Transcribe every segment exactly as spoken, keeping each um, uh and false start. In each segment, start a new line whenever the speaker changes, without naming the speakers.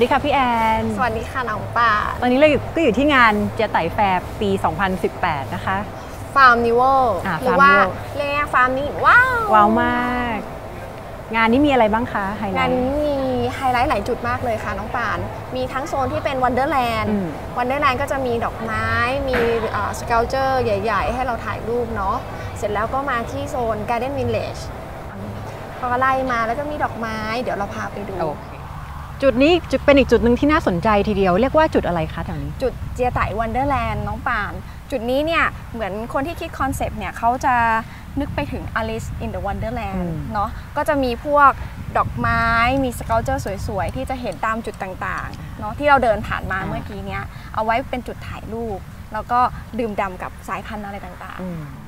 ดีค่ะพี่แอน
สวัสดีค่ะน้องป่า
ตอนนี้เราก็อยู่ที่งานเจียไต่แฟร์ปี สองพันสิบแปด นะคะ
ฟาร์มนิวหรือว่าเรียกฟาร์มนี้ว้าว
ว้าวมาก งานนี้มีอะไรบ้างคะไฮไลท์
งานนี้มีไฮไลท์หลายจุดมากเลยค่ะน้องป่านมีทั้งโซนที่เป็นวันเดอร์แลนด์วันเดอร์แลนด์ก็จะมีดอกไม้มีสเกลเจอร์ใหญ่ๆให้เราถ่ายรูปเนาะเสร็จแล้วก็มาที่โซน Garden Village พอไล่มาแล้วก็มีดอกไม้เดี๋ยวเราพาไปดู
จุดนี้จะเป็นอีกจุดหนึ่งที่น่าสนใจทีเดียวเรียกว่าจุดอะไรคะแถวนี้
จุดเจียไต่วันเดอร์แลนด์น้องป่านจุดนี้เนี่ยเหมือนคนที่คิดคอนเซปต์เนี่ยเขาจะนึกไปถึง Alice in the Wonderland เนาะก็จะมีพวกดอกไม้มีสเกลเจอร์สวยๆที่จะเห็นตามจุดต่างๆเนาะที่เราเดินผ่านมาเมื่อกี้เนี้ยเอาไว้เป็นจุดถ่ายรูปแล้วก็ดื่มด่ำกับสายพันธุ์อะไรต่าง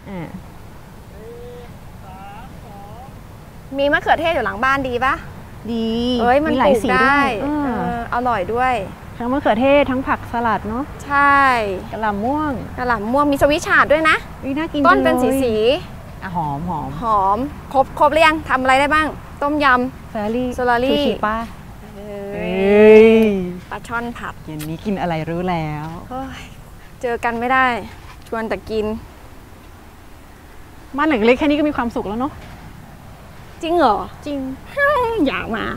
ๆมีมะเขือเทศอยู่หลังบ้านดีปะ
ดี
เอ้ยมันปลูกได้อร่อยด้วย
ทั้งมะเขือเทศทั้งผักสลัดเนาะ
ใช่
กระหล่ำม่วง
กระหล่ำม่วงมีสวิชาร์ดด้วยนะ
น่ากิน
ต้นเป็นสีสี
หอมหอม
หอมครบครบเรียงทำอะไรได้บ้างต้มยำ
โซลารี่
โซลารี่
ป้า
ปลาช่อนผัด
เย็นนี้กินอะไรรู้แล้ว
เจอกันไม่ได้ชวนแต่กิน
บ้านหลังเล็กแค่นี้ก็มีความสุขแล้วเนาะ
จริงเหรอ
จริง
อยากมา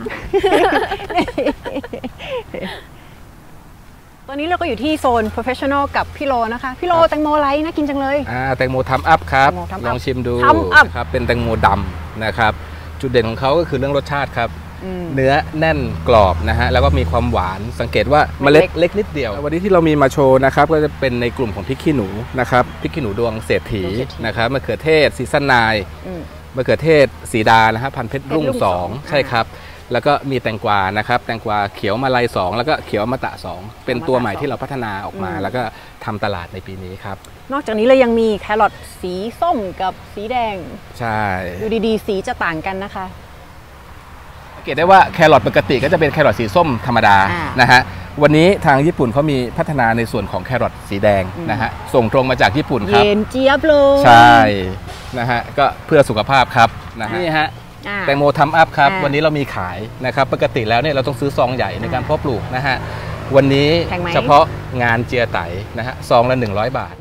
ตอนนี้เราก็อยู่ที่โซน Professional กับพี่โลนะคะพี่โลแตงโมไลท์น่ากินจังเลย
อ่าแตงโมทัมอัพครับลองชิมดูนะครับเป็นแตงโมดำนะครับจุดเด่นของเขาก็คือเรื่องรสชาติครับเนื้อแน่นกรอบนะฮะแล้วก็มีความหวานสังเกตว่าเมล็ดเล็กนิดเดียววันนี้ที่เรามีมาโชว์นะครับก็จะเป็นในกลุ่มของพริกขี้หนูนะครับพริกขี้หนูดวงเศรษฐีนะครับมะเขือเทศซีซันไนมะเขือเทศสีดานะฮะพันเพชรรุ่งสองใช่ครับแล้วก็มีแตงกวานะครับแตงกวาเขียวมาลัยสองแล้วก็เขียวอมตะสองเป็นตัวใหม่ที่เราพัฒนาออกมาแล้วก็ทำตลาดในปีนี้ครับ
นอกจากนี้เรายังมีแครอทสีส้มกับสีแดง
ใช่
ดูดีๆสีจะต่างกันนะคะ
สังเกตได้ว่าแครอทปกติก็จะเป็นแครอทสีส้มธรรมดานะฮะวันนี้ทางญี่ปุ่นเขามีพัฒนาในส่วนของแครอทสีแดงนะฮะส่งตรงมาจากญี่ปุ่นครับ
เย็นเจี๊ยบเลย
ใช่นะฮะก็เพื่อสุขภาพครับนะฮะนี่ฮะแตงโมทัมอัพครับวันนี้เรามีขายนะครับปกติแล้วเนี่ยเราต้องซื้อซองใหญ่ในการเพาะปลูกนะฮะวันนี้เฉพาะงานเจียไตนะฮะซองละหนึ่งร้อยบาท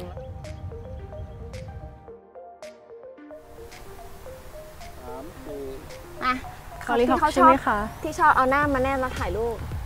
อ่ะเขาที่เขาชอบที่ชอบเอาหน้ามาแนบมาถ่ายรูป